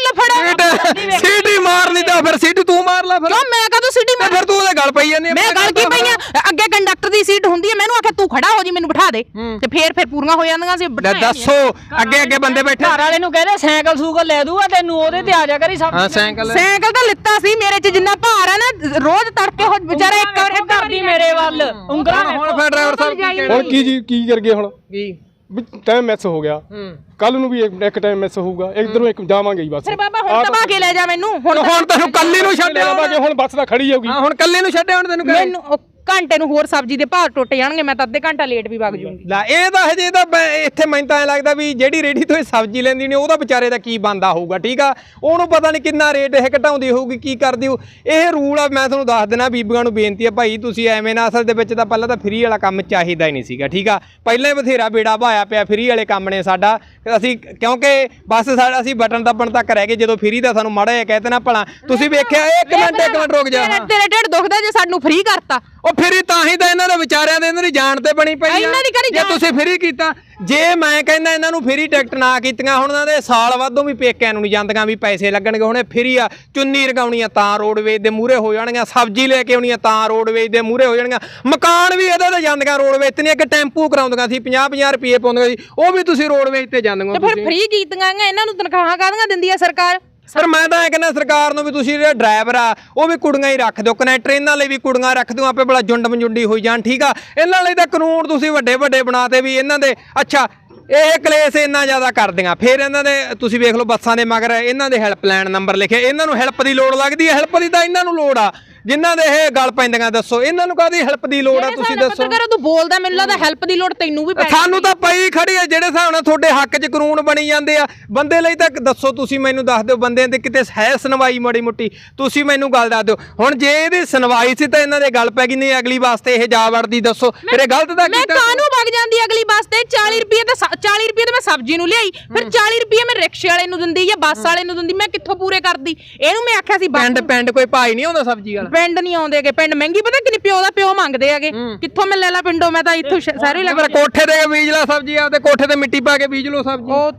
Speaker 2: ਲਫੜ।
Speaker 4: ਸੀਟੀ ਮਾਰਨੀ ਤਾਂ ਫਿਰ ਸੀਟੀ ਤੂੰ ਮਾਰ ਲੈ ਫਿਰ।
Speaker 2: ਕਿਉਂ ਮੈਂ ਕਦੋਂ ਸੀਟੀ ਮਾਰ?
Speaker 4: ਫਿਰ ਤੂੰ ਉਹਦੇ ਗੱਲ ਪਈ ਜਾਂਦੀ।
Speaker 2: ਮੈਂ ਗੱਲ ਕੀ ਪਈ ਆ? ਅੱਗੇ ਕੰਡਕਟਰ ਦੀ ਸੀਟ ਹੁੰਦੀ ਹੈ, ਮੈਨੂੰ ਆਖਿਆ ਤੂੰ ਖੜਾ ਹੋ ਜੀ, ਮੈਨੂੰ ਬਿਠਾ ਦੇ। ਤੇ ਫੇਰ ਪੂਰੀਆਂ ਹੋ ਜਾਂਦੀਆਂ ਸੀ।
Speaker 4: ਦੱਸੋ ਅੱਗੇ ਬੰਦੇ ਬੈਠੇ।
Speaker 1: ਘਰ ਵਾਲੇ ਨੂੰ ਕਹਿੰਦੇ ਸਾਈਕਲ ਸੂਕਲ ਲੈ ਦੂਗਾ ਤੈਨੂੰ, ਉਹਦੇ ਤੇ ਆ ਜਾ ਕਰੀ ਸਭ।
Speaker 4: ਹਾਂ ਸਾਈਕਲ
Speaker 2: ਤਾਂ ਲਿੱਤਾ ਸੀ ਮੇਰੇ ਚ, ਜਿੰਨਾ ਭਾਰ ਆ ਨਾ, ਰੋਜ਼ ਤੜਕੇ ਹੋ ਵਿਚਾਰਾ ਇੱਕ ਵਾਰ
Speaker 1: ਕਰਦੀ ਮੇਰੇ ਵੱਲ ਉਂਗਲਾਂ।
Speaker 4: ਹੁਣ ਫਿਰ ਡਰਾਈਵਰ ਸਾਹਿਬ ਕੀ ਕਹਿਣਗੇ?
Speaker 3: ਹੁਣ ਕੀ ਜੀ ਕੀ ਕਰ ਗਏ ਹੁਣ?
Speaker 4: ਕੀ
Speaker 3: ਟਾਈਮ ਮਿਸ ਹੋ ਗਿਆ, ਕੱਲ ਨੂੰ ਵੀ ਇੱਕ ਟਾਈਮ ਮਿਸ ਹੋਊਗਾ, ਇਧਰੋਂ ਇੱਕ ਜਾਵਾਂਗੇ ਹੀ ਬਸ।
Speaker 2: ਫਿਰ ਬਾਬਾ ਹੁਣ ਤਬਾ ਕੇ ਲੈ ਜਾ ਮੈਨੂੰ।
Speaker 4: ਹੁਣ ਤੈਨੂੰ ਕੱਲੀ ਨੂੰ ਛੱਡਿਆ
Speaker 3: ਆਵਾਂਗੇ, ਹੁਣ ਬੱਸ ਤਾਂ ਖੜੀ ਜਾਊਗੀ।
Speaker 4: ਹੁਣ ਕੱਲੇ ਨੂੰ ਛੱਡਿਆ ਹੁਣ ਤੈਨੂੰ
Speaker 2: ਮੈਨੂੰ ਘੰਟੇ ਨੂੰ ਹੋਰ ਸਬਜ਼ੀ ਦੇ ਭਾਅ ਟੁੱਟ ਜਾਣਗੇ, ਮੈਂ ਤਾਂ ਅੱਧੇ ਘੰਟਾ ਲੇਟ ਵੀ ਵਗ ਜੂੰਗੀ।
Speaker 4: ਲੈ ਇਹ ਤਾਂ ਹਜੇ ਤਾਂ ਇੱਥੇ ਮੈਨੂੰ ਤਾਂ ਐ ਲੱਗਦਾ ਵੀ ਜਿਹੜੀ ਰੇੜੀ ਤੋਂ ਇਹ ਸਬਜ਼ੀ ਲੈਂਦੀ ਨੇ ਉਹਦਾ ਵਿਚਾਰੇ ਦਾ ਕੀ ਬੰਦਾ ਹੋਊਗਾ। ਠੀਕ ਆ, ਉਹਨੂੰ ਪਤਾ ਨਹੀਂ ਕਿੰਨਾ ਰੇਟ ਇਹ ਘਟਾਉਂਦੀ ਹੋਊਗੀ, ਕੀ ਕਰਦੀ ਹੋ। ਇਹ ਰੂਲ ਆ, ਮੈਂ ਤੁਹਾਨੂੰ ਦੱਸ ਦੇਣਾ। ਬੀਬੀਆਂ ਨੂੰ ਬੇਨਤੀ ਆ ਭਾਈ, ਤੁਸੀਂ ਐਵੇਂ ਨਾ, ਅਸਲ ਦੇ ਵਿੱਚ ਤਾਂ ਪਹਿਲਾਂ ਤਾਂ ਫ੍ਰੀ ਵਾਲਾ ਕੰਮ ਚਾਹੀਦਾ ਹੀ ਨਹੀਂ ਸੀਗਾ। ਠੀਕ ਆ, ਪਹਿਲਾਂ ਹੀ ਬਥੇਰਾ ਬੇੜਾ ਭਾਇਆ ਪਿਆ ਫ੍ਰੀ ਵਾਲੇ ਕੰਮ ਨੇ ਸਾਡਾ। ਅਸੀਂ ਕਿਉਂਕਿ ਬਸ ਸਾਡਾ ਅਸੀਂ ਬਟਨ ਦੱਬਣ ਤੱਕ ਰਹਿ ਗਏ, ਜਦੋਂ ਫ੍ਰੀ ਦਾ ਸਾਨੂੰ ਮਾੜਾ ਜਿਹਾ ਕਹਿ ਦੇਣਾ ਭਲਾ। ਤੁਸੀਂ ਵੇਖਿਆ ਇੱਕ ਮਿੰਟ ਰੁਕ ਜਾ।
Speaker 2: ਤੇਰੇ ਢਿੱਡ ਦੁਖਦਾ ਜੇ ਸਾਨੂੰ ਫ੍ਰੀ ਕਰਤਾ।
Speaker 4: ਉਹ ਫ੍ਰੀ ਤਾਂ ਹੀ ਤਾਂ ਇਹਨਾਂ ਦੇ ਵਿਚਾਰਿਆਂ ਦੇ ਇਹਨਾਂ ਦੀ ਜਾਨ ਤੇ ਬਣੀ ਪਈ ਆ। ਜੇ ਤੁਸੀਂ ਫ੍ਰੀ ਕੀਤਾ, ਜੇ ਮੈਂ ਕਹਿੰਦਾ ਇਹਨਾਂ ਨੂੰ ਫ੍ਰੀ ਟਿਕਟ ਨਾ ਕੀਤੀਆਂ, ਹੁਣ ਇਹਨਾਂ ਦੇ ਸਾਲ ਵਾਧੋਂ ਵੀ ਪੇਕਿਆਂ ਨੂੰ ਨਹੀਂ ਜਾਂਦੀਆਂ ਵੀ ਪੈਸੇ ਲੱਗਣਗੇ। ਹੁਣ ਇਹ ਫ੍ਰੀ ਆ, ਚੁੰਨੀ ਰਗਾਉਣੀਆਂ ਤਾਂ ਰੋਡਵੇਜ ਦੇ ਮੂਹਰੇ ਹੋ ਜਾਣਗੀਆਂ, ਸਬਜ਼ੀ ਲੈ ਕੇ ਆਉਣੀਆਂ ਤਾਂ ਰੋਡਵੇਜ ਦੇ ਮੂਹਰੇ ਹੋ ਜਾਣਗੀਆਂ, ਮਕਾਨ ਵੀ ਇਹਦੇ ਤੇ ਜਾਂਦੀਆਂ ਰੋਡਵੇਜ ਤੇ। ਨਹੀਂ ਕਿ ਟੈਂਪੂ ਕਰਾਉਂਦੀਆਂ ਸੀ 50-50 ਰੁਪਏ ਪਾਉਂਦੀਆਂ ਸੀ, ਉਹ ਵੀ ਤੁਸੀਂ ਰੋਡਵੇਜ ਤੇ ਜਾਂਦੀਆਂ।
Speaker 2: ਤੇ ਫਿਰ ਫ੍ਰੀ ਕੀਤੀਆਂ ਇਹਨਾਂ ਨੂੰ ਤਨਖਾਹਾਂ ਕਾਹਦੀਆਂ ਦਿੰਦੀ ਆ ਸਰਕਾਰ?
Speaker 4: ਸਰ ਮੈਂ ਤਾਂ ਇਹ ਕਹਿੰਦਾ ਸਰਕਾਰ ਨੂੰ ਵੀ ਤੁਸੀਂ ਜਿਹੜੇ ਡਰਾਈਵਰ ਆ ਉਹ ਵੀ ਕੁੜੀਆਂ ਹੀ ਰੱਖ ਦਿਓ, ਕਨੈਕਟਰ ਇਹਨਾਂ ਲਈ ਵੀ ਕੁੜੀਆਂ ਰੱਖ ਦਿਓ, ਆਪੇ ਬੜਾ ਜੁੰਡ ਮਜੁੰਡੀ ਹੋਈ ਜਾਣ। ਠੀਕ ਆ, ਇਹਨਾਂ ਲਈ ਤਾਂ ਕਾਨੂੰਨ ਤੁਸੀਂ ਵੱਡੇ ਬਣਾਤੇ ਵੀ ਇਹਨਾਂ ਦੇ। ਅੱਛਾ, ਇਹ ਕਲੇਸ਼ ਇੰਨਾ ਜ਼ਿਆਦਾ ਕਰਦੀਆਂ, ਫਿਰ ਇਹਨਾਂ ਦੇ ਤੁਸੀਂ ਵੇਖ ਲਓ ਬੱਸਾਂ ਦੇ ਮਗਰ ਇਹਨਾਂ ਦੇ ਹੈਲਪਲਾਈਨ ਨੰਬਰ ਲਿਖੇ। ਇਹਨਾਂ ਨੂੰ ਹੈਲਪ ਦੀ ਲੋੜ ਲੱਗਦੀ ਹੈ, ਹੈਲਪ ਦੀ ਤਾਂ ਇਹਨਾਂ ਨੂੰ ਲੋੜ ਆ ਜਿਨ੍ਹਾਂ ਦੇ ਇਹ ਗੱਲ ਪੈਂਦੀਆਂ। ਦੱਸੋ ਇਹਨਾਂ ਨੂੰ ਕਾਹਦੀ ਹੈਲਪ ਦੀ ਲੋੜ ਆ? ਤੁਸੀਂ ਦੱਸੋ।
Speaker 2: ਪੱਤਰਕਾਰ ਤੂੰ ਬੋਲਦਾ, ਮੈਨੂੰ ਲੱਗਦਾ ਹੈਲਪ ਦੀ ਲੋੜ ਤੈਨੂੰ ਵੀ ਪੈਣੀ।
Speaker 4: ਸਾਨੂੰ ਤਾਂ ਪਈ ਖੜੀ ਹੈ, ਜਿਹੜੇ ਹਿਸਾਬ ਨਾਲ ਤੁਹਾਡੇ ਹੱਕ 'ਚ ਕਾਨੂੰਨ ਬਣੀ ਜਾਂਦੇ ਆ ਬੰਦੇ ਲਈ। ਤਾਂ ਦੱਸੋ ਤੁਸੀਂ ਮੈਨੂੰ ਦੱਸ ਦਿਓ, ਬੰਦਿਆਂ ਤੇ ਕਿਤੇ ਹੈ ਸੁਣਵਾਈ ਮਾੜੀ ਮੋਟੀ? ਤੁਸੀਂ ਮੈਨੂੰ ਗੱਲ ਦੱਸ ਦਿਓ। ਹੁਣ ਜੇ ਇਹਦੀ ਸੁਣਵਾਈ ਸੀ ਤਾਂ ਇਹਨਾਂ ਦੇ ਗੱਲ ਪੈ ਗਈ, ਨਹੀਂ ਅਗਲੀ ਵਾਸਤੇ ਇਹ ਜਾ ਵੜਦੀ। ਦੱਸੋ ਫਿਰ ਇਹ ਗਲਤ ਤਾਂ
Speaker 2: ਮੈਂ ਕਾਹਨੂੰ ਵਗ ਜਾਂਦੀ ਅਗਲੀ ਬੱਸ ਤੇ? 40 ਰੁਪਏ ਤੇ ਮੈਂ ਸਬਜ਼ੀ ਨੂੰ ਲਿਆਈ, ਫਿਰ 40 ਰੁਪਏ ਮੈਂ ਰਿਕਸ਼ੇ ਵਾਲੇ ਨੂੰ ਦਿੰਦੀ ਜਾਂ ਬੱਸ ਵਾਲੇ ਨੂੰ ਦਿੰਦੀ, ਮੈਂ ਕਿੱਥੋਂ ਪੂਰੇ ਕਰਦੀ? ਇਹਨੂੰ ਮੈਂ ਆਖਿਆ ਸੀ
Speaker 4: ਪਿੰਡ ਕੋਈ ਭਾਈ ਨਹੀਂ ਆਉਂਦਾ ਸਬਜ਼ੀ ਵਾਲਾ?
Speaker 2: ਪਿੰਡ ਨਹੀਂ ਆਉਂਦੇ, ਪਿੰਡ ਮਹਿੰਗੀ ਪਤਾ ਕਿੰਨੀ, ਪਿਓ ਦਾ ਪਿਓ ਮੰਗਦੇ ਹੈਗੇ। ਕਿੱਥੋਂ ਮੈਂ ਲੈ ਲਾ ਪਿੰਡੋਂ? ਮੈਂ ਤਾਂ ਇੱਥੋਂ ਸਾਰੇ ਲੈ।
Speaker 4: ਕੋਠੇ ਤੇ ਬੀਜ ਲਾ ਸਬਜ਼ੀ, ਆਪਦੇ ਕੋਠੇ ਤੇ ਮਿੱਟੀ ਪਾ ਕੇ ਬੀਜ ਲਓ ਸਬਜ਼ੀ।
Speaker 2: ਉਹ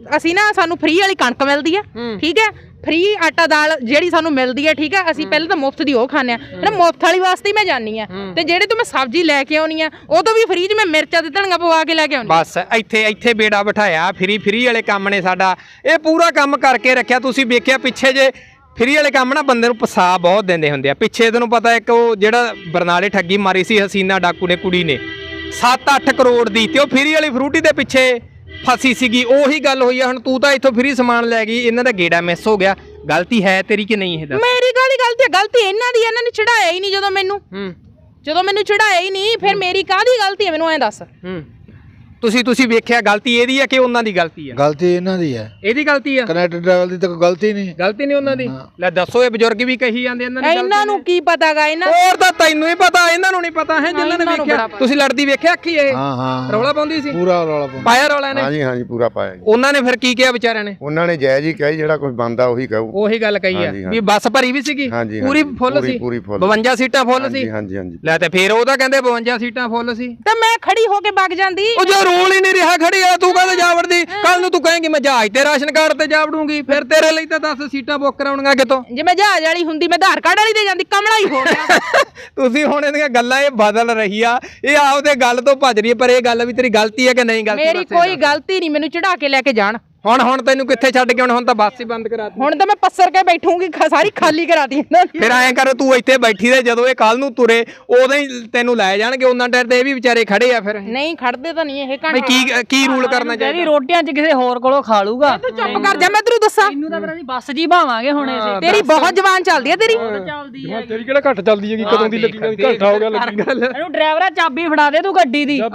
Speaker 2: ਅਸੀਂ ਨਾ ਸਾਨੂੰ ਫ੍ਰੀ ਵਾਲੀ ਕਣਕ ਮਿਲਦੀ ਆ ਠੀਕ ਹੈ ਫ੍ਰੀ ਆਟਾ ਦਾਲ ਜਿਹੜੀ ਸਾਨੂੰ ਮਿਲਦੀ ਹੈ ਠੀਕ ਹੈ ਅਸੀਂ ਪਹਿਲਾਂ ਤਾਂ ਮੁਫਤ ਦੀ ਉਹ ਖਾਂਦੇ ਆ ਨਾ ਮੁਫਤ ਵਾਲੀ ਵਾਸਤੇ ਹੀ ਮੈਂ ਜਾਨੀ ਆ ਤੇ ਜਿਹੜੇ ਤੋਂ ਮੈਂ ਸਬਜ਼ੀ ਲੈ ਕੇ ਆਉਣੀ ਆ ਉਹ ਤੋਂ ਵੀ ਫ੍ਰੀ 'ਚ ਮੈਂ ਮਿਰਚਾਂ ਤੇ ਧਨੀਆ ਪਵਾ ਕੇ ਲੈ ਕੇ ਆਉਣੀ
Speaker 4: ਬਸ ਇੱਥੇ ਬੇੜਾ ਬਿਠਾਇਆ ਫ੍ਰੀ ਵਾਲੇ ਕੰਮ ਨੇ ਸਾਡਾ ਇਹ ਪੂਰਾ ਕੰਮ ਕਰਕੇ ਰੱਖਿਆ ਤੁਸੀਂ ਵੇਖਿਆ ਪਿੱਛੇ ਜੇ ਫ੍ਰੀ ਵਾਲੇ ਕੰਮ ਨਾ ਬੰਦੇ ਨੂੰ ਪਸਾ ਬਹੁਤ ਦਿੰਦੇ ਹੁੰਦੇ ਆ ਪਿੱਛੇ ਤੈਨੂੰ ਪਤਾ ਇੱਕ ਉਹ ਜਿਹੜਾ ਬਰਨਾਲੇ ਠੱਗੀ ਮਾਰੀ ਸੀ ਹਸੀਨਾ ਡਾਕੂ ਨੇ ਕੁੜੀ ਨੇ 7-8 ਕਰੋੜ ਦੀ ਤੇ ਉਹ ਫ੍ਰੀ ਵਾਲੀ ਫਰੂਟੀ ਦੇ ਪਿੱਛੇ ਫਸੀ ਸੀਗੀ ਉਹੀ ਗੱਲ ਹੋਈ ਆ ਹੁਣ ਤੂੰ ਤਾਂ ਇੱਥੋਂ ਫ੍ਰੀ ਸਮਾਨ ਲੈ ਗਈ ਇਹਨਾਂ ਦਾ ਗੇੜਾ ਮਿਸ ਹੋ ਗਿਆ ਗਲਤੀ ਹੈ ਤੇਰੀ ਕਿ ਨਹੀਂ ਇਹ ਦੱਸ
Speaker 2: ਮੇਰੀ ਗਲਤੀ ਇਹਨਾਂ ਦੀ ਇਹਨਾਂ ਨੇ ਚੜਾਇਆ ਹੀ ਨਹੀਂ ਜਦੋਂ ਮੈਨੂੰ ਚੜਾਇਆ ਹੀ ਨਹੀਂ ਫਿਰ ਮੇਰੀ ਕਾਹਦੀ ਗਲਤੀ ਹੈ ਮੈਨੂੰ ਐਂ ਦੱਸ
Speaker 4: ਤੁਸੀਂ ਵੇਖਿਆ ਗਲਤੀ ਇਹਦੀ ਹੈ ਕਿ ਉਹਨਾਂ ਦੀ ਗਲਤੀ ਹੈ
Speaker 5: ਗਲਤੀ ਇਹਨਾਂ ਦੀ ਹੈ
Speaker 4: ਇਹਦੀ ਗਲਤੀ ਆ
Speaker 5: ਕਨੈਕਟਰ ਡਰਾਈਵਰ ਦੀ ਤਾਂ ਕੋਈ ਗਲਤੀ ਨਹੀਂ
Speaker 4: ਗਲਤੀ ਨਹੀਂ ਉਹਨਾਂ ਦੀ ਲੈ ਦੱਸੋ ਇਹ ਬਜ਼ੁਰਗ ਵੀ ਕਹੀ ਜਾਂਦੇ
Speaker 2: ਇਹਨਾਂ ਨੂੰ ਕੀ ਪਤਾਗਾ ਇਹਨਾਂ
Speaker 4: ਹੋਰ ਤਾਂ ਤੈਨੂੰ ਹੀ ਪਤਾ ਇਹਨਾਂ ਨੂੰ ਨਹੀਂ ਪਤਾ ਹੈ ਜਿਨ੍ਹਾਂ ਨੇ ਵੇਖਿਆ ਤੁਸੀਂ ਲੜਦੀ ਵੇਖਿਆ ਅੱਖੀ ਇਹ
Speaker 5: ਹਾਂ
Speaker 4: ਰੌਲਾ ਪਾਉਂਦੀ ਸੀ
Speaker 5: ਪੂਰਾ ਰੌਲਾ ਪਾਉਂਦਾ
Speaker 4: ਪਾਇਆ ਰੌਲਾ ਨੇ
Speaker 6: ਹਾਂਜੀ ਪੂਰਾ ਪਾਇਆ ਜੀ
Speaker 4: ਉਹਨਾਂ ਨੇ ਫਿਰ ਕੀ ਕਿਹਾ ਵਿਚਾਰਿਆਂ ਨੇ
Speaker 6: ਉਹਨਾਂ ਨੇ ਜਾਇਜ਼ ਹੀ ਕਿਹਾ ਜਿਹੜਾ ਕੁਝ ਬੰਦਾ ਉਹੀ ਕਹੂ
Speaker 4: ਉਹੀ ਗੱਲ ਕਹੀ ਆ ਵੀ ਬੱਸ ਭਰੀ ਵੀ ਸੀਗੀ
Speaker 6: ਹਾਂਜੀ,
Speaker 4: ਪੂਰੀ ਫੁੱਲ ਸੀ
Speaker 6: ਪੂਰੀ full
Speaker 4: 52 ਸੀਟਾਂ ਫੁੱਲ ਸੀ
Speaker 6: ਹਾਂਜੀ
Speaker 4: ਲੈ ਤੇ ਫਿਰ ਉਹ ਤਾਂ ਕਹਿੰਦੇ 52 ਸੀਟਾਂ ਫੁੱਲ ਸੀ
Speaker 2: ਤੇ ਮੈਂ ਖੜੀ ਹੋ ਕੇ ਵਗ ਜਾਂਦੀ
Speaker 4: ਉਹ ਜੋ ਰੋਲ ਹੀ ਨਹੀਂ ਰਿਹਾ ਖੜੀ ਆ ਤੂੰ ਕਹਿੰਦਾ ਜਾ ਵੜਦੀ ਕੱਲ ਨੂੰ ਤੂੰ ਕਹੇਂਗੀ ਮੈਂ ਜਹਾਜ਼ ਤੇ ਰਾਸ਼ਨ ਕਾਰਡ ਤੇ ਜਾ ਵੜੂੰਗੀ ਫਿਰ ਤੇਰੇ ਲਈ ਤਾਂ 10 ਸੀਟਾਂ ਬੁੱਕ ਕਰਾਉਣੀਆਂ ਕਿਤੋਂ
Speaker 2: ਜੇ ਮੈਂ ਜਹਾਜ਼ ਵਾਲੀ ਹੁੰਦੀ ਮੈਂ ਆਧਾਰ ਕਾਰਡ ਵਾਲੀ ਤੇ ਜਾਂਦੀ ਕਮਲਾ ਹੀ ਹੋ ਗਿਆ
Speaker 4: ਤੁਸੀਂ ਹੁਣ ਇਹਦੀਆਂ ਗੱਲਾਂ ਇਹ ਬਦਲ ਰਹੀ ਆ ਇਹ ਆਪਦੇ ਗੱਲ ਤੋਂ ਭੱਜ ਰਹੀ ਹੈ ਪਰ ਇਹ ਗੱਲ ਵੀ ਤੇਰੀ ਗਲਤੀ ਹੈ ਕਿ ਨਹੀਂ ਗਲਤੀ
Speaker 2: ਮੇਰੀ ਕੋਈ ਗਲਤੀ ਨਹੀਂ ਮੈਨੂੰ ਚੜਾ ਕੇ ਲੈ ਕੇ ਜਾਣ
Speaker 4: ਹੁਣ ਤੈਨੂੰ ਕਿੱਥੇ ਛੱਡ ਕੇ ਹੁਣ ਤਾਂ ਬੱਸ ਹੀ ਬੰਦ ਕਰਾਤੀ
Speaker 2: ਹੁਣ ਤਾਂ ਮੈਂ ਪੱਸਰ ਕੇ ਬੈਠੂਗੀ ਸਾਰੀ ਖਾਲੀ ਕਰਾਤੀ ਇਹਨਾਂ ਦੀ
Speaker 4: ਫਿਰ ਐਂ ਕਰ ਤੂੰ ਇੱਥੇ ਬੈਠੀ ਰਹੇ ਜਦੋਂ ਇਹ ਕੱਲ ਨੂੰ ਤੁਰੇ ਉਦੋਂ ਹੀ ਤੈਨੂੰ ਲੈ ਜਾਣਗੇ ਉਹਨਾਂ ਟਾਈਮ ਤੇ ਇਹ ਵੀ ਵਿਚਾਰੇ ਖੜੇ ਆ ਫਿਰ
Speaker 2: ਨਹੀਂ ਖੜਦੇ ਤਾਂ ਨਹੀਂ ਇਹ
Speaker 4: ਬਈ ਕੀ ਰੂਲ ਕਰਨਾ ਚਾਹੀਦਾ
Speaker 1: ਇਹਦੀ ਰੋਟੀਆਂ 'ਚ ਕਿਸੇ ਹੋਰ ਕੋਲੋਂ ਖਾ ਲੂਗਾ
Speaker 2: ਤੂੰ ਚੁੱਪ ਕਰ ਜਾ ਮੈਂ ਤੈਨੂੰ ਦੱਸਾਂ
Speaker 1: ਇਹਨੂੰ ਤਾਂ ਫਿਰ ਅਸੀਂ ਬੱਸ ਜੀ ਭਾਵਾਂਗੇ ਹੁਣ ਅਸੀਂ
Speaker 2: ਤੇਰੀ ਬਹੁਤ ਜ਼ਬਾਨ ਚੱਲਦੀ ਆ ਤੇਰੀ
Speaker 1: ਚੱਲਦੀ ਹੈ
Speaker 3: ਤੇਰੀ ਕਿਹੜਾ ਘੱਟ ਚੱਲਦੀ ਹੈਗੀ ਕਦੋਂ ਦੀ ਲੱਗੀ ਘੱਟਾ ਹੋ ਗਿਆ ਲੱਗੀ
Speaker 1: ਇਹਨੂੰ ਡਰਾਈਵਰਾ ਚਾਬੀ ਫੜਾ ਦੇ ਤੂੰ ਗੱਡੀ ਦੀ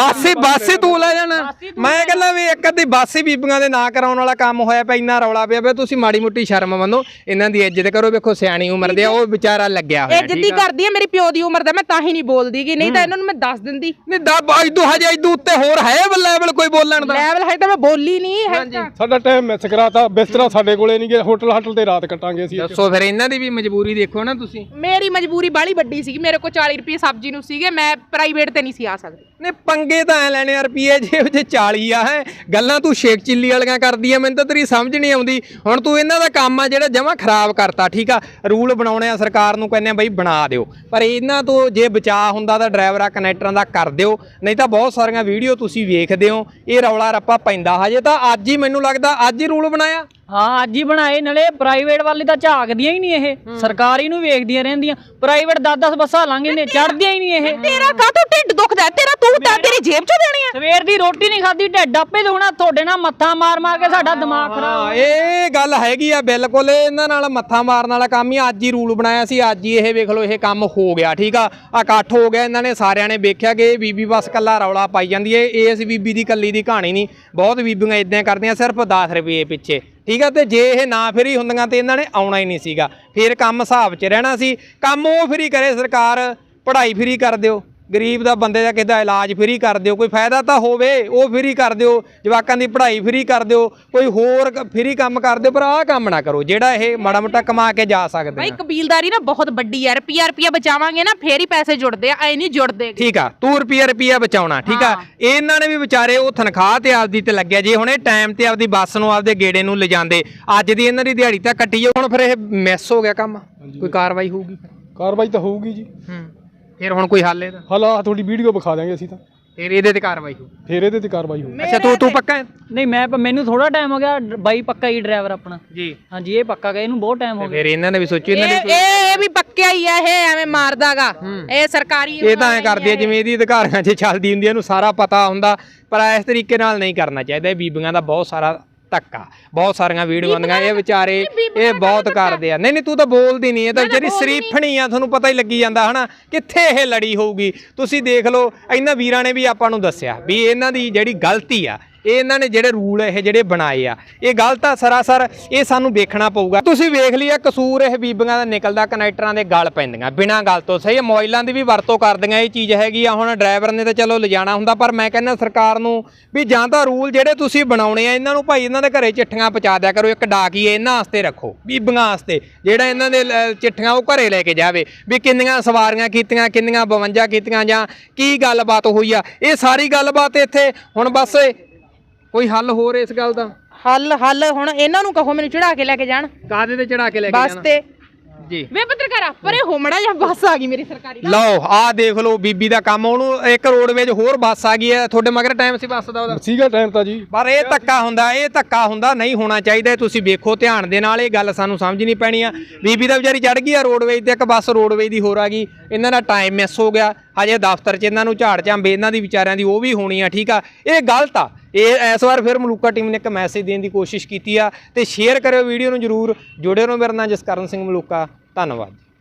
Speaker 4: ਬੱਸ ਹੀ ਤੂੰ ਲੈ ਜਾਣਾ ਮੈਂ ਕਹਿੰਦਾ ਵੀ ਇੱਕ ਅੱਧੀ ਬੱਸ ਹੀ ਬੀਬੀਆਂ ਦੇ ਨਾਂ ਕਰਾਉਣ ਵਾਲਾ ਕੰਮ ਹੋਇਆ ਪਿਆ ਇੰਨਾ ਰੌਲਾ ਪਿਆ ਵੇ ਤੁਸੀਂ ਮਾੜੀ ਮੁੱਟੀ ਸ਼ਰਮ ਮੰਨੋ ਇਹਨਾਂ ਦੀ ਇੱਜ਼ਤ ਕਰੋ ਵੇਖੋ ਸਿਆਣੀ ਉਮਰ ਦੇ ਆ ਉਹ ਵਿਚਾਰਾ ਲੱਗਿਆ ਹੋਇਆ
Speaker 2: ਇੱਜ਼ਤ ਹੀ ਕਰਦੀ ਆ ਮੇਰੀ ਪਿਓ ਦੀ ਉਮਰ ਦਾ ਮੈਂ ਤਾਂ ਹੀ ਨਹੀਂ ਬੋਲਦੀ ਕਿ ਨਹੀਂ ਤਾਂ ਇਹਨਾਂ ਨੂੰ ਮੈਂ ਦੱਸ ਦਿੰਦੀ
Speaker 4: ਨਹੀਂ ਇਦੋਂ ਹਜੇ ਇਦੋਂ ਉੱਤੇ ਹੋਰ ਹੈ ਲੈਵਲ ਕੋਈ ਬੋਲਣ ਦਾ
Speaker 2: ਲੈਵਲ ਹੈ ਤਾਂ ਮੈਂ ਬੋਲੀ ਨਹੀਂ ਹੈ
Speaker 3: ਸਾਡਾ ਟਾਈਮ ਮਿਸ ਕਰਾਤਾ ਬਿਸਤਰਾ ਸਾਡੇ ਕੋਲੇ ਨਹੀਂ ਗਿਆ ਹੋਟਲ ਤੇ ਰਾਤ ਕੱਟਾਂਗੇ ਅਸੀਂ
Speaker 4: ਦੱਸੋ ਫਿਰ ਇਹਨਾਂ ਦੀ ਵੀ ਮਜਬੂਰੀ ਦੇਖੋ ਨਾ ਤੁਸੀਂ
Speaker 2: ਮੇਰੀ ਮਜਬੂਰੀ ਬਾਲੀ ਵੱਡੀ ਸੀ ਮੇਰੇ ਕੋਲ 40 ਰੁਪਏ ਸਬਜ਼ੀ ਨੂੰ ਸੀਗੇ ਮੈਂ ਪ੍ਰਾਈਵੇਟ ਤੇ ਨਹੀਂ ਸੀ ਆ ਸਕਦੀ
Speaker 4: ਨੇ ਪੰਗੇ ਤਾਂ ਐ ਲੈਣੇ ਆ ਰੁਪਏ ਜੇ 40 ਆ ਹੈ ਗੱਲਾਂ ਤੂੰ ਸ਼ੇਕ ਚਿੱਲੀ ਵਾਲੀਆਂ ਕਰਦੀ ਆ ਮੈਨੂੰ ਤਾਂ ਤੇਰੀ ਸਮਝ ਨਹੀਂ ਆਉਂਦੀ ਹੁਣ ਤੂੰ ਇਹਨਾਂ ਦਾ ਕੰਮ ਆ ਜਿਹੜਾ ਜਮਾਂ ਖਰਾਬ ਕਰਤਾ ਠੀਕ ਆ ਰੂਲ ਬਣਾਉਣੇ ਆ ਸਰਕਾਰ ਨੂੰ ਕਹਿੰਦੇ ਆ ਬਈ ਬਣਾ ਦਿਓ ਪਰ ਇਹਨਾਂ ਤੋਂ ਜੇ ਬਚਾਅ ਹੁੰਦਾ ਤਾਂ ਡਰਾਈਵਰਾਂ ਕਨੈਕਟਰਾਂ ਦਾ ਕਰ ਦਿਓ ਨਹੀਂ ਤਾਂ ਬਹੁਤ ਸਾਰੀਆਂ ਵੀਡੀਓ ਤੁਸੀਂ ਵੇਖਦੇ ਹੋ ਇਹ ਰੌਲਾ ਰੱਪਾ ਪੈਂਦਾ ਹਜੇ ਤਾਂ ਅੱਜ ਹੀ ਮੈਨੂੰ ਲੱਗਦਾ ਅੱਜ ਹੀ ਰੂਲ ਬਣਾਇਆ
Speaker 1: ਹਾਂ ਅੱਜ ਹੀ ਬਣਾਏ ਨਾਲੇ ਪ੍ਰਾਈਵੇਟ ਵਾਲੇ ਤਾਂ ਝਾਕਦੀਆਂ ਹੀ ਨਹੀਂ ਇਹ ਸਰਕਾਰੀ ਨੂੰ ਵੇਖਦੀਆਂ ਰਹਿੰਦੀਆਂ ਪ੍ਰਾਈਵੇਟ 10-10 ਬੱਸਾਂ ਲੰਘ ਨੇ ਚੜਦੀਆਂ ਹੀ ਨਹੀਂ ਇਹ
Speaker 2: ਤੇਰਾ ਕਾਹਤੋਂ ਢਿੱਡ ਦੁਖਦਾ ਤੇਰਾ ਤੂੰ ਤਾਂ ਤੇਰੀ ਜੇਬ ਚੋਂ ਦੇਣੀ ਆ
Speaker 1: ਸਵੇਰ ਦੀ ਰੋਟੀ ਨਹੀਂ ਖਾਦੀ ਢਿੱਡ ਆਪੇ ਦੁਖਣਾ ਤੁਹਾਡੇ ਨਾਲ ਮੱਥਾ ਮਾਰ ਕੇ ਸਾਡਾ ਦਿਮਾਗ ਖਰਾਬ
Speaker 4: ਇਹ ਗੱਲ ਹੈਗੀ ਆ ਬਿਲਕੁਲ ਇਹਨਾਂ ਨਾਲ ਮੱਥਾ ਮਾਰਨ ਵਾਲਾ ਕੰਮ ਹੀ ਅੱਜ ਹੀ ਰੂਲ ਬਣਾਇਆ ਸੀ ਅੱਜ ਹੀ ਇਹ ਵੇਖ ਲਓ ਇਹ ਕੰਮ ਹੋ ਗਿਆ ਠੀਕ ਆ ਇਕੱਠ ਹੋ ਗਿਆ ਇਹਨਾਂ ਨੇ ਸਾਰਿਆਂ ਨੇ ਵੇਖਿਆ ਕਿ ਇਹ ਬੀਬੀ ਬਸ ਕੱਲਾ ਰੌਲਾ ਪਾਈ ਜਾਂਦੀ ਏ ਇਸ ਬੀਬੀ ਦੀ ਕੱਲੀ ਦੀ ਕਹਾਣੀ ਨਹੀਂ ਬਹੁਤ ਬੀਬੀਆਂ ਇਦਾਂ ਕਰਦੀਆਂ ਸਿਰਫ 10 ਰੁਪਏ ਪਿੱਛੇ ਠੀਕ ਆ ਤੇ ਜੇ ਇਹ ਨਾ ਫਰੀ ਹੁੰਦੀਆਂ ਤੇ ਇਹਨਾਂ ਨੇ ਆਉਣਾ ਹੀ ਨਹੀਂ ਸੀਗਾ ਫਿਰ ਕੰਮ ਹਿਸਾਬ 'ਚ ਰਹਿਣਾ ਸੀ ਕੰਮ ਉਹ ਫਰੀ ਕਰੇ ਸਰਕਾਰ ਪੜ੍ਹਾਈ ਫਰੀ ਕਰ ਦਿਓ ਗਰੀਬ ਦਾ ਬੰਦੇ ਦਾ ਕਿਦਾ ਇਲਾਜ ਫਰੀ ਕਰ ਦਿਓ ਕੋਈ ਫਾਇਦਾ ਤਾਂ ਹੋਵੇ ਉਹ ਫਰੀ ਕਰ ਦਿਓ ਜਵਾਕਾਂ ਦੀ ਪੜ੍ਹਾਈ ਫਰੀ ਕਰ ਦਿਓ ਕੋਈ ਹੋਰ ਫਰੀ ਕੰਮ ਕਰ ਦਿਓ ਪਰ ਆਹ ਕੰਮ ਨਾ ਕਰੋ ਜਿਹੜਾ ਇਹ ਮਾੜਾ ਮੋਟਾ ਕਮਾ ਕੇ ਜਾ ਸਕਦੇ
Speaker 2: ਭਾਈ ਕਬੀਲਦਾਰੀ ਨਾ ਬਹੁਤ ਵੱਡੀ ਆ ਰੁਪਿਆ ਬਚਾਵਾਂਗੇ ਨਾ ਫੇਰ ਹੀ ਪੈਸੇ ਜੁੜਦੇ ਆ ਐ ਨਹੀਂ ਜੁੜਦੇ
Speaker 4: ਠੀਕ ਆ ਤੂੰ ਰੁਪਿਆ ਬਚਾਉਣਾ ਠੀਕ ਆ ਇਹਨਾਂ ਨੇ ਵੀ ਵਿਚਾਰੇ ਉਹ ਤਨਖਾਹ ਤੇ ਆਪਦੀ ਤੇ ਲੱਗਿਆ ਜੇ ਹੁਣ ਇਹ ਟਾਈਮ ਤੇ ਆਪਦੀ ਬੱਸ ਨੂੰ ਆਪਦੇ ਗੇੜੇ ਨੂੰ ਲਿਜਾਂਦੇ ਅੱਜ ਦੀ ਇਹਨਾਂ ਦੀ ਦਿਹਾੜੀ ਤਾਂ ਕੱਟੀ ਹੁਣ ਫਿਰ ਇਹ ਮਿਸ ਹੋ ਗਿਆ ਕੰਮ ਕੋਈ ਕਾਰਵਾਈ ਹੋਊਗੀ
Speaker 3: ਕਾਰਵਾਈ ਤਾਂ ਹੋਊਗੀ ਜੀ
Speaker 4: ਫਿਰ ਹੁਣ ਕੋਈ ਹੱਲ ਇਹਦਾ
Speaker 3: ਹਾਲਾ ਤੁਹਾਡੀ ਵੀਡੀਓ ਵਿਖਾ ਦਾਂਗੇ ਅਸੀਂ ਤਾਂ
Speaker 4: ਫਿਰ ਇਹਦੇ ਤੇ ਕਾਰਵਾਈ ਹੋ
Speaker 3: ਫੇਰ ਇਹਦੇ ਤੇ ਕਾਰਵਾਈ ਹੋਊ
Speaker 4: ਅੱਛਾ ਤੂੰ ਪੱਕਾ ਹੈ
Speaker 1: ਨਹੀਂ ਮੈਨੂੰ ਥੋੜਾ ਟਾਈਮ ਹੋ ਗਿਆ ਬਾਈ ਪੱਕਾ ਹੀ ਡਰਾਈਵਰ ਆਪਣਾ
Speaker 4: ਜੀ
Speaker 1: ਹਾਂਜੀ ਇਹ ਪੱਕਾ ਗਿਆ ਇਹਨੂੰ ਬਹੁਤ ਟਾਈਮ ਹੋ ਗਿਆ
Speaker 4: ਫਿਰ ਇਹਨਾਂ ਨੇ ਵੀ ਸੋਚੀ ਇਹਨਾਂ ਨੇ
Speaker 2: ਇਹ ਵੀ ਪੱਕਿਆ ਹੀ ਆ ਇਹ ਐਵੇਂ ਮਾਰਦਾਗਾ ਇਹ ਸਰਕਾਰੀ
Speaker 4: ਇਹ ਤਾਂ ਐ ਕਰਦੇ ਆ ਜਿਵੇਂ ਇਹਦੀ ਅਧਿਕਾਰੀਆਂ 'ਚ ਚੱਲਦੀ ਹੁੰਦੀ ਇਹਨੂੰ ਸਾਰਾ ਪਤਾ ਹੁੰਦਾ ਪਰ ਇਸ ਤਰੀਕੇ ਨਾਲ ਨਹੀਂ ਕਰਨਾ ਚਾਹੀਦਾ ਇਹ ਬੀਬੀਆਂ ਦਾ ਬਹੁਤ ਸਾਰਾ ਧੱਕਾ ਬਹੁਤ ਸਾਰੀਆਂ ਵੀਡੀਓ ਆਉਂਦੀਆਂ ਇਹ ਵਿਚਾਰੇ ਇਹ ਬਹੁਤ ਕਰਦੇ ਆ ਨਹੀਂ ਤੂੰ ਤਾਂ ਬੋਲਦੀ ਨਹੀਂ ਇਹ ਤਾਂ ਜਿਹੜੀ ਸਰੀਫਣੀ ਆ ਤੁਹਾਨੂੰ ਪਤਾ ਹੀ ਲੱਗੀ ਜਾਂਦਾ ਹਨਾ ਕਿੱਥੇ ਇਹ ਲੜੀ ਹੋਊਗੀ ਤੁਸੀਂ ਦੇਖ ਲਓ ਇਹਨਾਂ ਵੀਰਾਂ ਨੇ ਵੀ ਆਪਾਂ ਨੂੰ ਦੱਸਿਆ ਵੀ ਇਹਨਾਂ ਦੀ ਜਿਹੜੀ ਗਲਤੀ ਆ ਇਹ ਇਹਨਾਂ ਨੇ ਜਿਹੜੇ ਰੂਲ ਇਹ ਜਿਹੜੇ ਬਣਾਏ ਆ ਇਹ ਗਲਤ ਆ ਸਰਾਸਰ ਇਹ ਸਾਨੂੰ ਵੇਖਣਾ ਪਊਗਾ ਤੁਸੀਂ ਵੇਖ ਲਿਆ ਕਸੂਰ ਇਹ ਬੀਬੀਆਂ ਦਾ ਨਿਕਲਦਾ ਕਨੈਕਟਰਾਂ ਦੇ ਗਲ ਪੈਂਦੀਆਂ ਬਿਨਾਂ ਗੱਲ ਤੋਂ ਸਹੀ ਮੋਬਾਈਲਾਂ ਦੀ ਵੀ ਵਰਤੋਂ ਕਰਦੀਆਂ ਇਹ ਚੀਜ਼ ਹੈਗੀ ਆ ਹੁਣ ਡਰਾਈਵਰ ਨੇ ਤਾਂ ਚਲੋ ਲਿਜਾਣਾ ਹੁੰਦਾ ਪਰ ਮੈਂ ਕਹਿੰਦਾ ਸਰਕਾਰ ਨੂੰ ਵੀ ਜਾਂ ਤਾਂ ਰੂਲ ਜਿਹੜੇ ਤੁਸੀਂ ਬਣਾਉਣੇ ਆ ਇਹਨਾਂ ਨੂੰ ਭਾਈ ਇਹਨਾਂ ਦੇ ਘਰੇ ਚਿੱਠੀਆਂ ਪਹੁੰਚਾ ਦਿਆ ਕਰੋ ਇੱਕ ਡਾਕੀਏ ਇਹਨਾਂ ਵਾਸਤੇ ਰੱਖੋ ਬੀਬੀਆਂ ਵਾਸਤੇ ਜਿਹੜਾ ਇਹਨਾਂ ਦੇ ਚਿੱਠੀਆਂ ਉਹ ਘਰੇ ਲੈ ਕੇ ਜਾਵੇ ਵੀ ਕਿੰਨੀਆਂ ਸਵਾਰੀਆਂ ਕੀਤੀਆਂ ਕਿੰਨੀਆਂ 52 ਕੀਤੀਆਂ ਜਾਂ ਕੀ ਗੱਲਬਾਤ ਹੋਈ ਆ ਇਹ ਸਾਰੀ ਗੱਲਬਾਤ ਇੱਥੇ ਹੁਣ ਬਸ ਕੋਈ ਹੱਲ ਹੋਰ ਇਸ ਗੱਲ ਦਾ
Speaker 2: ਹੱਲ ਹੁਣ ਇਹਨਾਂ ਨੂੰ ਕਹੋ ਮੈਨੂੰ ਚੜਾ ਕੇ ਲੈ ਕੇ ਜਾਣ
Speaker 4: ਕਾਹਦੇ ਤੇ ਚੜਾ ਕੇ ਲੈ ਕੇ
Speaker 2: ਬੱਸ
Speaker 4: ਜਾਣਾ
Speaker 2: ਤੇ
Speaker 4: ਜੀ।
Speaker 2: ਵੇ ਪੱਤਰਕਾਰਾ ਪਰੇ ਹੋਮੜਾ ਜਾਂ ਬੱਸ ਆ ਗਈ ਮੇਰੀ ਸਰਕਾਰੀ
Speaker 4: ਲਓ ਆਹ ਦੇਖ ਲਓ ਬੀਬੀ ਦਾ ਕੰਮ। ਉਹਨੂੰ ਇੱਕ ਰੋਡਵੇਜ ਹੋਰ ਬੱਸ ਆ ਗਈ ਹੈ। ਤੁਹਾਡੇ ਮਗਰ ਟਾਈਮ ਸੀ ਬੱਸ ਦਾ ਉਹਦਾ?
Speaker 3: ਸੀਗਾ ਟਾਈਮ ਤਾਂ ਜੀ।
Speaker 4: ਪਰ ਇਹ ਧੱਕਾ ਹੁੰਦਾ ਨਹੀਂ ਹੋਣਾ ਚਾਹੀਦਾ। ਤੁਸੀਂ ਵੇਖੋ ਧਿਆਨ ਦੇ ਨਾਲ, ਇਹ ਗੱਲ ਸਾਨੂੰ ਸਮਝਣੀ ਪੈਣੀ ਆ। ਬੀਬੀ ਦਾ ਵਿਚਾਰੀ ਚੜ ਗਈ ਆ ਰੋਡਵੇਜ ਤੇ, ਇੱਕ ਬੱਸ ਰੋਡਵੇਜ ਦੀ ਹੋਰ ਆ ਗਈ। ਇਹਨਾਂ ਦਾ ਟਾਈਮ ਮਿਸ ਹੋ ਗਿਆ। ਹਜੇ ਦਫ਼ਤਰ 'ਚ ਇਹਨਾਂ ਨੂੰ ਝਾੜ ਝਾਂਬੇ ਇਹਨਾਂ ਦੀ ਵਿਚਾਰਿਆਂ ਦੀ ਉਹ ਵੀ ਹੋਣੀ ਆ। ਠੀਕ ਆ, ਇਹ ਗਲਤ ਆ। ਇਹ ਇਸ ਵਾਰ ਫਿਰ ਮਲੂਕਾ ਟੀਮ ਨੇ ਇੱਕ ਮੈਸੇਜ ਦੇਣ ਦੀ ਕੋਸ਼ਿਸ਼ ਕੀਤੀ ਆ ਤੇ ਸ਼ੇਅਰ ਕਰਿਓ ਵੀਡੀਓ ਨੂੰ ਜ਼ਰੂਰ। ਜੁੜੇ ਰਹੋ ਮੇਰੇ ਨਾਲ ਜਸਕਰਨ ਸਿੰਘ ਮਲੂਕਾ। ਧੰਨਵਾਦ।